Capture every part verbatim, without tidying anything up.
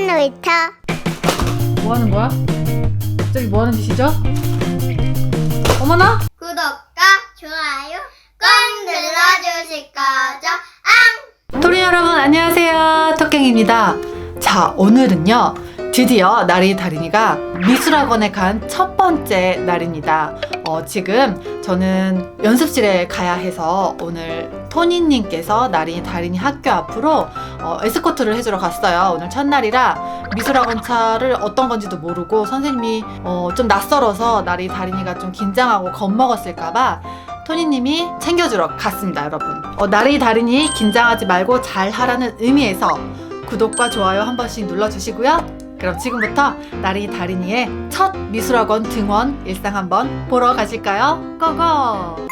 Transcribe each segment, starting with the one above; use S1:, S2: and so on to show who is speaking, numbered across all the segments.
S1: 놀이터.
S2: 뭐 하는 거야? 갑자기 뭐 하는 짓이죠? 어머나?
S1: 구독과 좋아요 꼭 눌러주실 거죠? 앙!
S2: 토리 여러분 안녕하세요, 토깽입니다. 자, 오늘은요 드디어 나리 다린이가 미술학원에 간 첫 번째 날입니다. 어, 지금 저는 연습실에 가야 해서 오늘 토니님께서 나린이 다린이 학교 앞으로 어, 에스코트를 해주러 갔어요. 오늘 첫날이라 미술학원 차를 어떤 건지도 모르고 선생님이 어, 좀 낯설어서 나리 다린이가 좀 긴장하고 겁먹었을까봐 토니님이 챙겨주러 갔습니다, 여러분. 어, 나리 다린이 긴장하지 말고 잘 하라는 의미에서 구독과 좋아요 한 번씩 눌러주시고요. 그럼 지금부터 나리 다린이의 첫 미술학원 등원 일상 한번 보러 가실까요? 고고!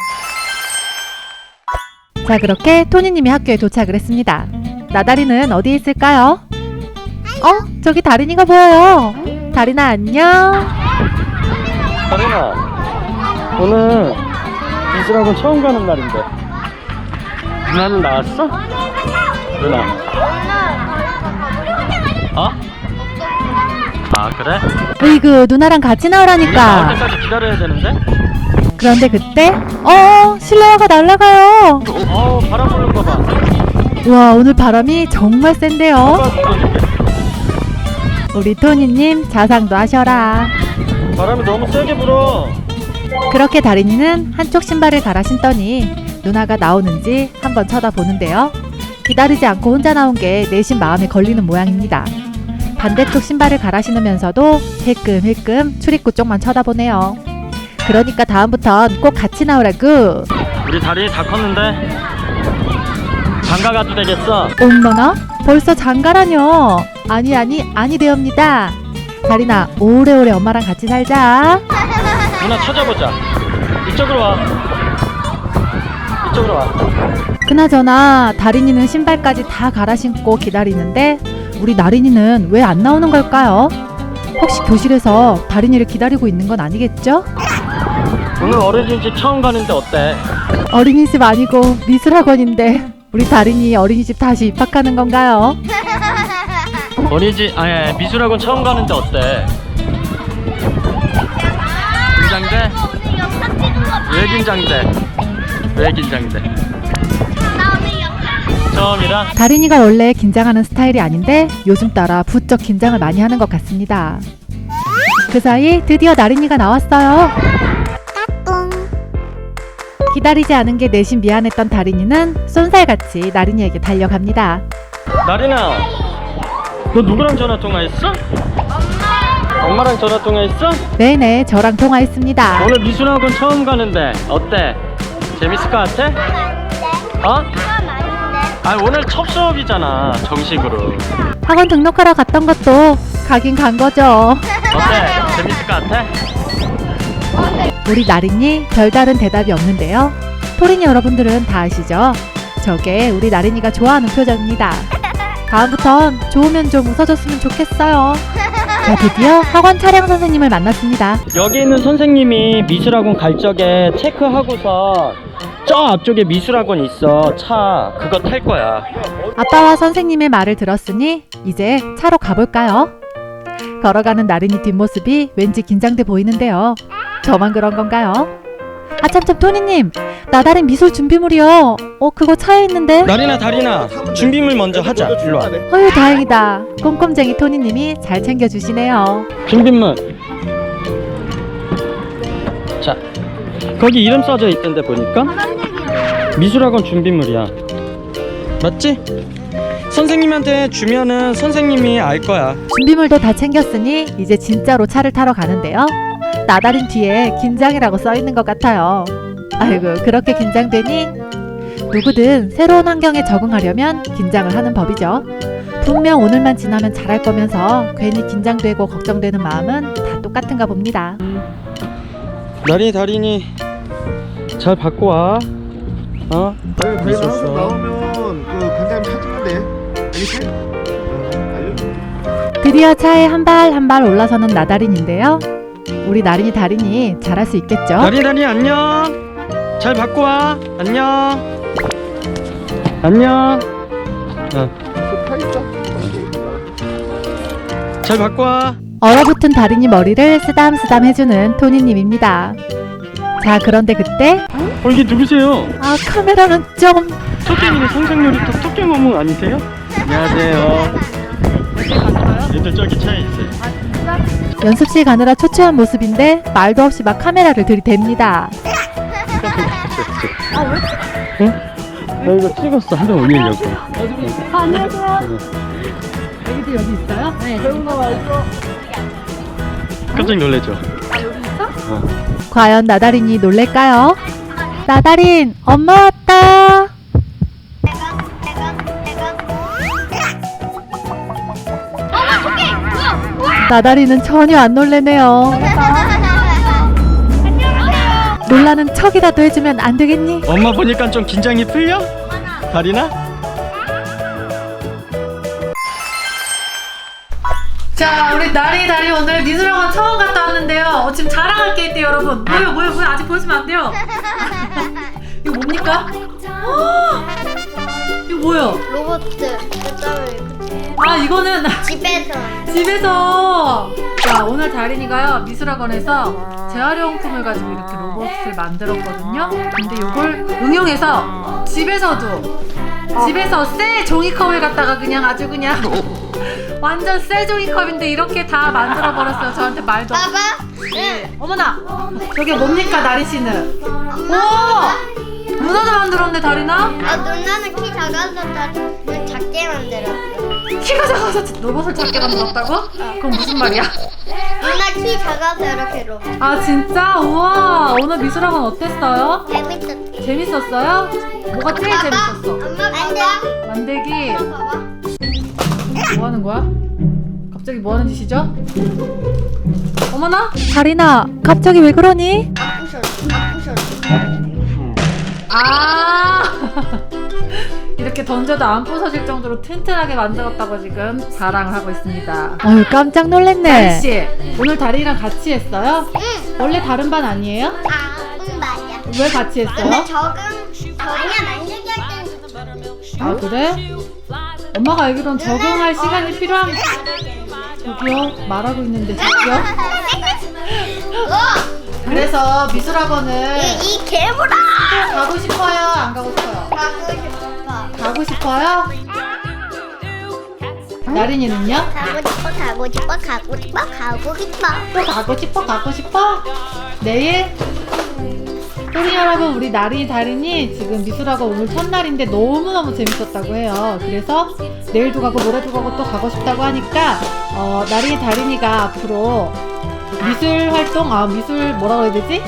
S2: 자, 그렇게 토니님이 학교에 도착을 했습니다. 나다리는 어디에 있을까요? 어? 저기 다린이가 보여요. 다린아 안녕.
S3: 다린아, 오늘 미술학원 처음 가는 날인데 누나는 나왔어? 누나 어? 아 그래?
S2: 으이그 누나랑 같이
S3: 누나 나올
S2: 나오라니까.
S3: 때까지 기다려야 되는데?
S2: 그런데 그때 어 실내화가 날아가요.
S3: 어우 바람 부는 거봐.
S2: 와, 오늘 바람이 정말 센데요.
S3: 아빠 불러줄게.
S2: 우리 토니님 자상도 하셔라.
S3: 바람이 너무 세게 불어.
S2: 그렇게 다린이는 한쪽 신발을 갈아 신더니 누나가 나오는지 한번 쳐다보는데요. 기다리지 않고 혼자 나온 게 내심 마음에 걸리는 모양입니다. 반대쪽 신발을 갈아 신으면서도 힐끔힐끔 출입구 쪽만 쳐다보네요. 그러니까 다음부턴 꼭 같이 나오라구.
S3: 우리 다리 다 컸는데 장가 가도 되겠어?
S2: 엄마나? 벌써 장가라뇨? 아니 아니 아니 되옵니다. 다린아 오래오래 엄마랑 같이 살자.
S3: 누나 찾아보자. 이쪽으로 와. 이쪽으로 와.
S2: 그나저나 다린이는 신발까지 다 갈아 신고 기다리는데 우리 나린이는 왜 안 나오는 걸까요? 혹시 교실에서 다린이를 기다리고 있는 건 아니겠죠?
S3: 오늘 어린이집 처음 가는데 어때?
S2: 어린이집 아니고 미술학원인데 우리 다린이 어린이집 다시 입학하는 건가요?
S3: 어린이집 아니 미술학원 처음 가는데 어때? 긴장돼? 왜 긴장돼? 왜 긴장돼? 처음이라?
S2: 다린이가 원래 긴장하는 스타일이 아닌데 요즘 따라 부쩍 긴장을 많이 하는 것 같습니다. 그 사이 드디어 나린이가 나왔어요. 기다리지 않은 게 내심 미안했던 다린이는 쏜살같이 나린이에게 달려갑니다.
S3: 나린아, 너 누구랑 전화 통화했어? 엄마. 엄마랑 전화 통화했어?
S2: 네네, 저랑 통화했습니다.
S3: 오늘 미술학원 처음 가는데 어때? 재밌을 것 같아? 어? 아 오늘 첫 수업이잖아 정식으로.
S2: 학원 등록하러 갔던 것도 가긴 간 거죠.
S3: 어때? 재밌을 것 같아?
S2: 우리 나린이 별다른 대답이 없는데요. 토린이 여러분들은 다 아시죠? 저게 우리 나린이가 좋아하는 표정입니다. 다음부턴 좋으면 좀 웃어줬으면 좋겠어요. 자, 드디어 학원 차량 선생님을 만났습니다.
S3: 여기 있는 선생님이 미술학원 갈 적에 체크하고서 저 앞쪽에 미술학원 있어. 차 그거 탈 거야.
S2: 아빠와 선생님의 말을 들었으니 이제 차로 가볼까요? 걸어가는 나린이 뒷모습이 왠지 긴장돼 보이는데요. 저만 그런 건가요? 아 참참 토니님, 나다린 미술 준비물이요. 어 그거 차에 있는데.
S3: 나린아 다린아 준비물 먼저 하자. 일로 와.
S2: 어휴 다행이다. 꼼꼼쟁이 토니님이 잘 챙겨주시네요.
S3: 준비물. 자 거기 이름 써져 있던데 보니까 미술학원 준비물이야. 맞지? 선생님한테 주면은 선생님이 알 거야.
S2: 준비물도 다 챙겼으니 이제 진짜로 차를 타러 가는데요. 나다린 뒤에 긴장이라고 써있는 것 같아요. 아이고 그렇게 긴장되니 누구든 새로운 환경에 적응하려면 긴장을 하는 법이죠. 분명 오늘만 지나면 잘할 거면서 괜히 긴장되고 걱정되는 마음은 다 똑같은가 봅니다.
S3: 나린이 다린이 잘 받고 와. 어?
S4: 아니 다이나
S3: 있었어.
S4: 항상 나오면 그 간장님 사주는데 알겠지? 응, 알려줄게.
S2: 드디어 차에 한 발 한 발 올라서는 나다린인데요. 우리 나린이 다린이 잘할 수 있겠죠?
S3: 나린이 다린이 안녕. 잘 받고 와. 안녕. 안녕. 어.
S4: 그 타 있자.
S3: 잘 바꿔 와.
S2: 얼어붙은 다린이 머리를 쓰담쓰담 해주는 토니님입니다. 자, 그런데 그때
S3: 어, 이게 누구세요?
S2: 아, 카메라는 좀...
S3: 토깽이는 상상놀이터 토깽 어묵 아니세요? 안녕하세요. 얘들 저기 차에 있어요.
S2: 연습실 가느라 초췌한 모습인데 말도 없이 막 카메라를 들이댑니다.
S3: 응? 나 이거 찍었어. 한번 올리려고.
S2: 안녕하세요. 애기들 여기 있어요? 네.
S3: 깜짝 놀래죠?
S2: 과연 나다린이 놀랄까요? 나다린, 엄마 왔다. 나다리는 전혀 안 놀래네요. 놀라는 척이라도 해주면 안 되겠니?
S3: 엄마 보니까 좀 긴장이 풀려? 다리나?
S2: 자, 우리 나리 다리 오늘 미술학원 처음 갔다 왔는데요. 어, 지금 자랑할 게 있대요, 여러분. 뭐요, 뭐요, 뭐요? 아직 보여주면 안 돼요. 이거 뭡니까? 어! 이거 뭐요?
S1: 로봇
S2: 아, 이거는
S1: 집에서
S2: 집에서. 자, 오늘 다린이가요 미술학원에서 재활용품을 가지고 이렇게 로봇을 만들었거든요. 근데 이걸 응용해서 집에서도 집에서 새 종이컵을 갖다가 그냥 아주 그냥 완전 새 종이컵인데 이렇게 다 만들어 버렸어요. 저한테 말도 없이.
S1: 봐봐.
S2: 네. 어머나, 저게 뭡니까, 나리 씨는? 오, 누나도 만들었네, 다리나?
S1: 아 누나는 키 작아서 다 눈 작게 만들었어.
S2: 키가 작아서 로봇을 작게 만들었다고? 그럼 무슨 말이야?
S1: 누나 키 작아서 이렇게 로봇.
S2: 아, 진짜? 우와, 오늘 미술학원 어땠어요?
S1: 재밌었지.
S2: 재밌었어요? 뭐가 제일 재밌었어?
S1: 엄마 봐봐.
S2: 만들기.
S1: 봐봐.
S2: 뭐 하는 거야? 갑자기 뭐 하는 짓이죠? 어머나? 다리나, 갑자기 왜 그러니?
S1: 안 부셔줘. 안 부셔줘.
S2: 아 이렇게 던져도 안 부서질 정도로 튼튼하게 만들었다고 지금 자랑을 하고 있습니다. 어휴, 깜짝 놀랐네. 다리씨, 오늘 다리랑 같이 했어요?
S1: 응.
S2: 원래 다른 반 아니에요?
S1: 아, 응 맞아.
S2: 왜 같이 했어요?
S1: 근데 적응 아니야 만들기 할 때는
S2: 아, 그래? 엄마가 알기론 적응할 시간이 필요한. 저기요, 말하고 있는데 저기요.
S1: 어!
S2: 그래서 미술학원을
S1: 이, 이 괴물아!
S2: 가고 싶어요? 안 가고 싶어요?
S1: 가고 싶어.
S2: 가고 싶어요? 나린이는요?
S1: 가고 싶어, 가고 싶어, 가고 싶어, 가고 싶어.
S2: 또 가고 싶어? 가고 싶어? 내일? 우리 여러분, 우리 나린이 다린이 지금 미술학원 오늘 첫날인데 너무너무 재밌었다고 해요. 그래서 내일도 가고 모레도 가고 또 가고 싶다고 하니까 어, 나린이 다린이가 앞으로 미술 활동, 아 미술 뭐라고 해야 되지?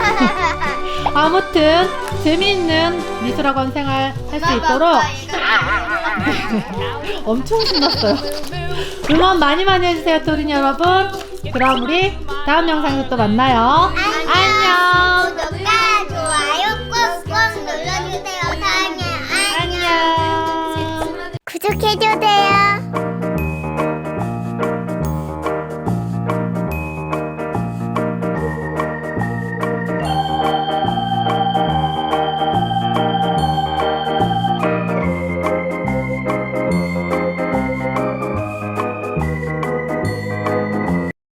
S2: 아무튼 재미있는 미술학원 생활 할 수 있도록 엄청 신났어요. 응원 많이 많이 해주세요, 토린 여러분. 그럼 우리 다음 영상에서 또 만나요.